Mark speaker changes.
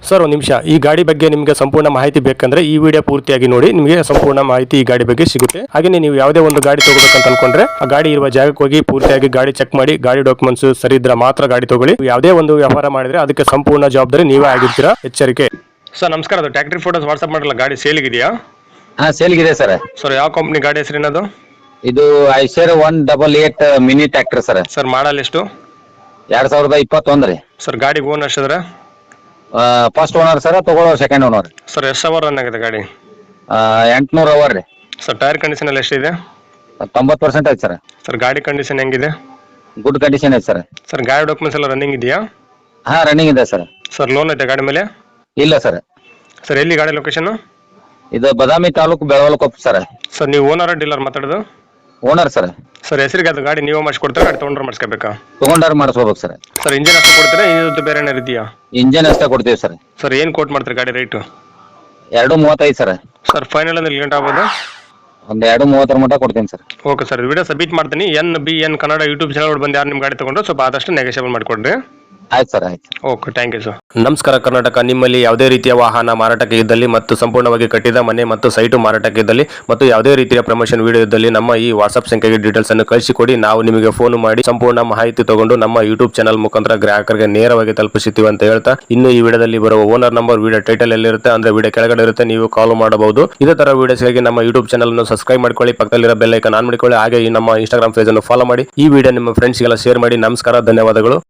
Speaker 1: Sir ಒಂದು ನಿಮಿಷ, ಈ ಗಾಡಿ ಬಗ್ಗೆ ನಿಮಗೆ ಸಂಪೂರ್ಣ ಮಾಹಿತಿ ಬೇಕಂದ್ರೆ ಈ ವಿಡಿಯೋ ಪೂರ್ತಿಯಾಗಿ ನೋಡಿ, ನಿಮಗೆ ಸಂಪೂರ್ಣ ಮಾಹಿತಿ ಈ ಗಾಡಿ ಬಗ್ಗೆ ಸಿಗುತ್ತೆ. ಹಾಗೆ ನೀವು ಯಾವುದೇ ಒಂದು ಗಾಡಿ ತಗೋಬೇಕಂತ ಅನ್ಕೊಂಡ್ರೆ ಆ ಗಾಡಿ ಇರುವ ಜಾಗಕ್ಕೆ ಹೋಗಿ ಪೂರ್ತಿಯಾಗಿ ಗಾಡಿ ಚೆಕ್ ಮಾಡಿ, ಗಾಡಿ ಡಾಕ್ಯುಮೆಂಟ್ಸ್ ಸರಿ ಇದ್ರೆ ಮಾತ್ರ ಗಾಡಿ ತಗೊಳ್ಳಿ. ಯಾವುದೇ ಒಂದು ವ್ಯವಹಾರ ಮಾಡಿದ್ರೆ ಅದಕ್ಕೆ ಸಂಪೂರ್ಣ ಜವಾಬ್ದಾರಿ ನೀವೇ ಆಗಿರ್ತೀರಾ, ಎಚ್ಚರಿಕೆ. ಸರ್ ನಮಸ್ಕಾರ, ಅದು ಟ್ಯಾಕ್ಟ್ರಿ ಫೋಟೋಸ್ ವಾಟ್ಸ್ಆಪ್ ಮಾಡಲ್ಲ, ಗಾಡಿ ಸೇಲ್ಗಿದೆಯಾ?
Speaker 2: ಹಾ ಸೇಲ್ಗಿದೆ ಸರ್.
Speaker 1: ಸರ್ ಯಾವ ಕಂಪ್ನಿ ಗಾಡಿ ಹೆಸರೇನದು?
Speaker 2: ಇದು Eicher 188 mini tractor sir.
Speaker 1: Sir model ಎಷ್ಟು?
Speaker 2: 2021 ರೀ.
Speaker 1: ಸರ್ ಗಾಡಿ ಓನ್ ಎಷ್ಟಿದ್ರೆ?
Speaker 2: ಫಸ್ಟ್ ಓನರ್ ಸರ್, ತಗೊಳ್ಳೋ ಸೆಕೆಂಡ್ ಓನರ್.
Speaker 1: ಸರ್ ಎಷ್ಟು ಅವರ್ ರನ್ ಆಗಿದೆ ಗಾಡಿ?
Speaker 2: 800 ಅವರ್ ರೀ.
Speaker 1: ಸರ್ ಟೈರ್ ಕಂಡೀಷನ್ ಎಲ್ಲ ಎಷ್ಟಿದೆ?
Speaker 2: 90% ಐತೆ ಸರ್.
Speaker 1: ಸರ್ ಗಾಡಿ ಕಂಡೀಷನ್ ಹೆಂಗಿದೆ?
Speaker 2: ಗುಡ್ ಕಂಡೀಷನ್ ಐತೆ ಸರ್.
Speaker 1: ಸರ್ ಗಾಡಿ ಡಾಕ್ಯುಮೆಂಟ್ಸ್ ಎಲ್ಲ ರನ್ನಿಂಗ್ ಇದೆಯಾ?
Speaker 2: ಹಾ ರನ್ನಿಂಗ್ ಇದೆ ಸರ್.
Speaker 1: ಸರ್ ಲೋನ್ ಐತೆ ಗಾಡಿ ಮೇಲೆ?
Speaker 2: ಇಲ್ಲ ಸರ್.
Speaker 1: ಸರ್ ಎಲ್ಲಿ ಗಾಡಿ ಲೊಕೇಶನ್?
Speaker 2: ಇದು ಬದಾಮಿ ತಾಲೂಕು ಬೆಳವಲಕೊಪ್ಪ ಸರ್.
Speaker 1: ಸರ್ ನೀವು ಓನರ್ ಡೀಲರ್ ಮಾತಾಡೋದು?
Speaker 2: Owner sir.
Speaker 1: ಸರ್ ಹೆಸರಿಗೆ ಅದು ಗಾಡಿ ನೀವು ಮಾಡಿಸ್ಕೊಡ್ತಾರೆ, ಗಾಡಿ ತೊಗೊಂಡ್ರೆ ಮಾಡಿಸ್ಕೋಬೇಕಾ?
Speaker 2: ತಗೊಂಡಾರ ಮಾಡಿಸ್ಕೋಬೇಕು ಸರ್.
Speaker 1: ಸರ್ ಇಂಜಿನ್ ಅಷ್ಟು ಕೊಡ್ತೀರಾ, ಇದು ಬೇರೆ ಏನಾರು ಇದೆಯಾ?
Speaker 2: ಇಂಜನ್ ಅಷ್ಟೇ ಕೊಡ್ತೀವಿ ಸರ್.
Speaker 1: ಸರ್ ಏನು ಕೋಟ್ ಮಾಡ್ತೀರಿ ಗಾಡಿ ರೇಟು?
Speaker 2: 235 ಸರ್.
Speaker 1: ಸರ್ ಫೈನಲ್ ಅಂದ್ರೆ ಗಂಟೆ ಆಗ್ಬೋದು?
Speaker 2: ಒಂದು 230 ಮಟ್ಟ ಕೊಡ್ತೀನಿ sir.
Speaker 1: Okay sir, video submit ಮಾಡ್ತೀನಿ. NBN ಕನ್ನಡ ಯೂಟ್ಯೂಬ್ ಚಾನಲ್ ಬಂದು ಯಾರು ನಿಮ್ಮ ಗಾಡಿ ತಗೊಂಡ್ರೆ ಸ್ವಲ್ಪ ಆದಷ್ಟು ನೆಗೋಷಿಯೇಬಲ್ ಮಾಡಿಕೊಡ್ರಿ.
Speaker 2: ಆಯ್ತು ಸರ್, ಆಯ್ತು.
Speaker 1: Okay, thank you sir. ನಮಸ್ಕಾರ ಕರ್ನಾಟಕ. ನಿಮ್ಮಲ್ಲಿ ಯಾವುದೇ ರೀತಿಯ ವಾಹನ ಮಾರಾಟಕ್ಕೆ ಇದ್ದಲ್ಲಿ ಮತ್ತು ಸಂಪೂರ್ಣವಾಗಿ ಕಟ್ಟಿದ ಮನೆ ಮತ್ತು ಸೈಟು ಮಾರಾಟಕ್ಕೆ ಇದ್ದಲ್ಲಿ ಮತ್ತು ಯಾವುದೇ ರೀತಿಯ ಪ್ರಮೋಷನ್ ವಿಡಿಯೋ ಇದ್ದಲ್ಲಿ ನಮ್ಮ ಈ ವಾಟ್ಸ್ಆಪ್ ಸಂಖ್ಯೆಗೆ ಡೀಟೇಲ್ಸ್ ಅನ್ನು ಕಳಿಸಿಕೊಡಿ. ನಾವು ನಿಮಗೆ ಫೋನ್ ಮಾಡಿ ಸಂಪೂರ್ಣ ಮಾಹಿತಿ ತಗೊಂಡು ನಮ್ಮ ಯೂಟ್ಯೂಬ್ ಚಾನಲ್ ಮುಖಾಂತರ ಗ್ರಾಹಕರಿಗೆ ನೇರವಾಗಿ ತಲುಪಿಸುತ್ತೀವಿ ಅಂತ ಹೇಳ್ತಾ, ಇನ್ನು ಈ ವಿಡಿಯೋದಲ್ಲಿ ಬರುವ ಓನರ್ ನಂಬರ್ ವಿಡಿಯೋ ಟೈಟಲ್ ಎಲ್ಲಿರುತ್ತೆ ಅಂದ್ರೆ ವಿಡಿಯೋ ಕೆಳಗಡೆ ಇರುತ್ತೆ, ನೀವು ಕಾಲ್ ಮಾಡಬಹುದು. ಇದೇ ತರ ವಿಡಿಯೋಸ್ಗಾಗಿ ನಮ್ಮ ಯೂಟ್ಯೂಬ್ ಚಾನಲ್ ಅನ್ನು ಸಬ್ಸ್ಕ್ರೈಬ್ ಮಾಡ್ಕೊಳ್ಳಿ, ಪಕ್ಕದಲ್ಲಿರೋ ಬೆಲ್ ಐಕಾನ್ ಆನ್ ಮಾಡಿಕೊಳ್ಳಿ. ಹಾಗೆ ಈ ನಮ್ಮ ಇನ್ಸ್ಟಾಗ್ರಾಮ್ ಪೇಜ್ ಅನ್ನು ಫಾಲೋ ಮಾಡಿ. ಈ ವಿಡಿಯೋ ನಿಮ್ಮ ಫ್ರೆಂಡ್ಸ್ಗೆಲ್ಲ ಶೇರ್ ಮಾಡಿ. ನಮಸ್ಕಾರ, ಧನ್ಯವಾದಗಳು.